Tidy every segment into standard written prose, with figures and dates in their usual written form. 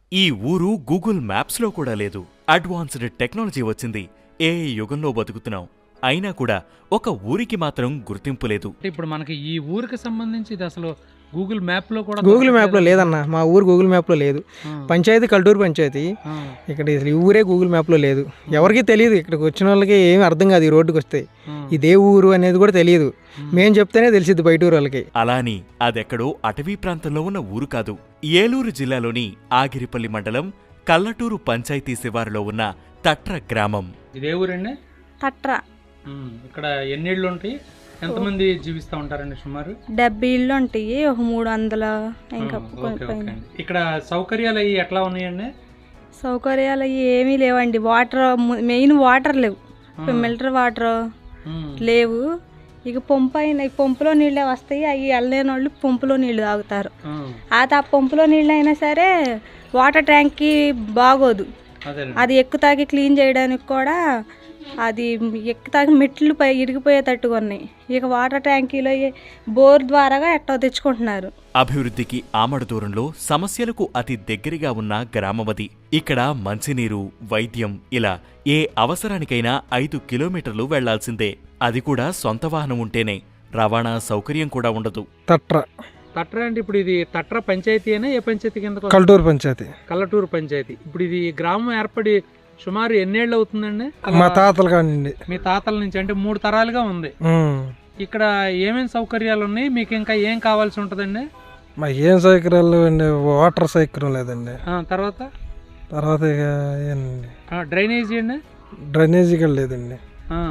ఈ ఊరు గూగుల్ మ్యాప్స్లో కూడా లేదు. అడ్వాన్స్డ్ టెక్నాలజీ వచ్చింది. ఏఐ యుగంలో బతుకుతున్నాం. అయినా కూడా ఒక ఊరికి మాత్రం గుర్తింపు లేదు. ఇప్పుడు మనకి ఈ ఊరికి సంబంధించి ఇది అసలు గూగుల్ మ్యాప్లో కూడా గూగుల్ మ్యాప్లో లేదన్న. మా ఊరు గూగుల్ మ్యాప్లో లేదు. పంచాయతీ కల్టూరు పంచాయతీ. ఇక్కడ ఈ ఊరే గూగుల్ మ్యాప్లో లేదు. ఎవరికి తెలియదు. ఇక్కడికి వచ్చిన వాళ్ళకి ఏమి అర్థం కాదు. ఈ రోడ్డుకి వస్తే ఇదే ఊరు అనేది కూడా తెలియదు. మేం చెప్తేనే తెలిసిద్ది బయట ఊరు వాళ్ళకి. అలాని అదెక్కడో అటవీ ప్రాంతంలో ఉన్న ఊరు కాదు. ఏలూరు జిల్లాలోని ఆగిరిపల్లి మండలం కల్లటూరు పంచాయతీ శివారులో ఉన్న తట్ర గ్రామం. ఇదే ఊరండి తట్ర. ఇక్కడ ఎన్ని ఇళ్ళు ఉంటాయి, ఎంతమంది జీవిస్తూ ఉంటారండి? సుమారు 70 ఇళ్ళు ఉంటాయి. ఒక 300 ఇంకా పైన. ఇక్కడ సౌకర్యాలు అవి ఎట్లా ఉన్నాయండి? సౌకర్యాలు అవి ఏమీ లేవండి. వాటర్ మెయిన్ వాటర్ లేవు. మిల్టర్ వాటర్ లేవు. ఇక పంపులో నీళ్ళే వస్తాయి. అవి వెళ్ళలేని వాళ్ళు పంపులో నీళ్లు తాగుతారు. ఆ పంపులో నీళ్ళు అయినా సరే వాటర్ ట్యాంక్కి బాగోదు. అది ఎక్కుతాకి క్లీన్ చేయడానికి కూడా అది ఎక్కుతాకి మెట్లు ఇరిగిపోయేటట్టుగా ఉన్నాయి. ఇక వాటర్ ట్యాంకీలో బోర్ ద్వారాగా ఎట్టో తెచ్చుకుంటున్నారు. అభివృద్ధికి ఆమడ దూరంలో సమస్యలకు అతి దగ్గరగా ఉన్న గ్రామమది. ఇక్కడ మంచినీరు, వైద్యం ఇలా ఏ అవసరానికైనా 5 కిలోమీటర్లు వెళ్లాల్సిందే. అది కూడా సొంత వాహనం ఉంటేనే. రవాణా సౌకర్యం కూడా ఉండదు. తట్ర అంటే ఇప్పుడు ఇది తట్ర పంచాయతీ అయినా ఏ పంచాయతీ కింద? కల్టూరు పంచాయతీ. కల్లటూరు పంచాయతీ. ఇప్పుడు ఇది గ్రామం ఏర్పడి సుమారు ఎన్నేళ్ళు అవుతుందండి? మా తాతలు కానివ్వండి. మీ తాతల నుంచి అంటే 3 తరాలుగా ఉంది. ఇక్కడ ఏమేమి సౌకర్యాలు ఉన్నాయి? మీకు ఇంకా ఏం కావాల్సి ఉంటుందండి? మా ఏం సౌకర్యాలు అండి? వాటర్ సౌకర్యం లేదండి. తర్వాత ఇక ఏంటండి, డ్రైనేజీ అండి? డ్రైనేజీ కూడా లేదండి.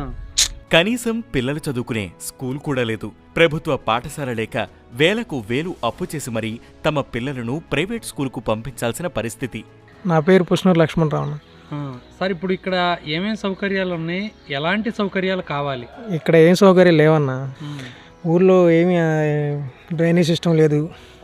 కనీసం పిల్లలు చదువుకునే స్కూల్ కూడా లేదు. ప్రభుత్వ పాఠశాల లేక వేలకు వేలు అప్పు చేసి మరీ తమ పిల్లలను ప్రైవేట్ స్కూల్కు పంపించాల్సిన పరిస్థితి. నా పేరు పుష్నూరు లక్ష్మణరావు. సార్, ఇప్పుడు ఇక్కడ ఏమేమి సౌకర్యాలు ఉన్నాయి, ఎలాంటి సౌకర్యాలు కావాలి? ఇక్కడ ఏం సౌకర్యాలు లేవన్నా. ఊర్లో ఏమి డ్రైనేజ్ సిస్టమ్ లేదు.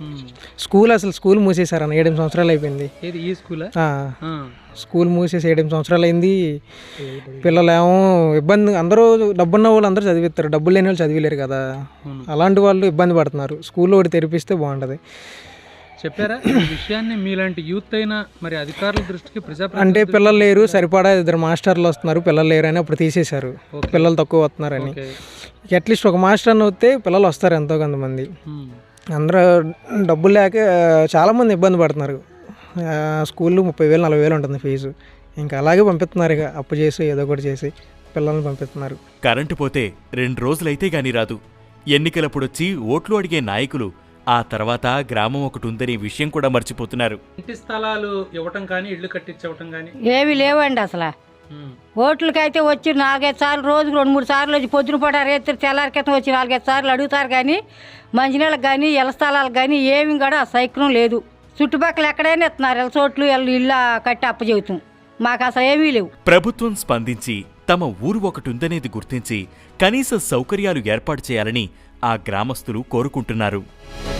స్కూల్ మూసేశారన్న. 7 సంవత్సరాలు అయిపోయింది. ఈ స్కూల్ స్కూల్ మూసేసి 7 సంవత్సరాలు అయింది. పిల్లలేమో ఇబ్బంది. అందరూ డబ్బున్న వాళ్ళు అందరూ చదివిస్తారు. డబ్బులు లేని వాళ్ళు చదివిలేరు కదా. అలాంటి వాళ్ళు ఇబ్బంది పడుతున్నారు. స్కూల్లో ఒకటి తెరిపిస్తే బాగుంటుంది. చెప్పారా ఈ విషయాన్ని? మీలాంటి యూత్ అయినా మరి అధికారుల దృష్టికి అంటే పిల్లలు లేరు, సరిపడా 2 మాస్టర్లు వస్తున్నారు, పిల్లలు లేరు అని అప్పుడు తీసేశారు. పిల్లలు తక్కువ వస్తున్నారని. అట్లీస్ట్ ఒక మాస్టర్ అని వస్తే పిల్లలు వస్తారు ఎంతో కొంతమంది. అందరూ డబ్బులు లేక చాలామంది ఇబ్బంది పడుతున్నారు. స్కూల్లో 30,000 40,000 ఉంటుంది ఫీజు. ఇంకా అలాగే పంపిస్తున్నారు. ఇక అప్పు చేసి ఏదో ఒకటి చేసి పిల్లల్ని పంపిస్తున్నారు. కరెంటు పోతే 2 రోజులైతే గాని రాదు. ఎన్నికలప్పుడొచ్చి ఓట్లు అడిగే నాయకులు ఆ తర్వాత గ్రామం ఒకటి ఉందనే విషయం కూడా మర్చిపోతున్నారు. ఇంటి స్థలాలు ఇవ్వటం కానీ, ఇళ్లు కట్టించవటం కానీ ఏవి లేవండి అసలు. ఓట్లకైతే వచ్చి 4-5 సార్లు, రోజుకు 2-3 సార్లు వచ్చి పొద్దున పూట రేత్రి తెల్లారి క్రితం వచ్చి 4-5 సార్లు అడుగుతారు. కానీ మంచినీళ్ళకి కానీ ఇళ్ల స్థలాలకు కానీ ఏమి కూడా సౌకర్యం లేదు. చుట్టుపక్కల ఎక్కడైనా ఇస్తున్నారు. ఇళ్ళ చోట్లు ఇల్లు కట్టి అప్పచెబుతాం. మాకు అసలు ఏమీ లేవు. ప్రభుత్వం స్పందించి తమ ఊరు ఒకటి ఉందనేది గుర్తించి కనీస సౌకర్యాలు ఏర్పాటు చేయాలని ఆ గ్రామస్తులు కోరుకుంటున్నారు.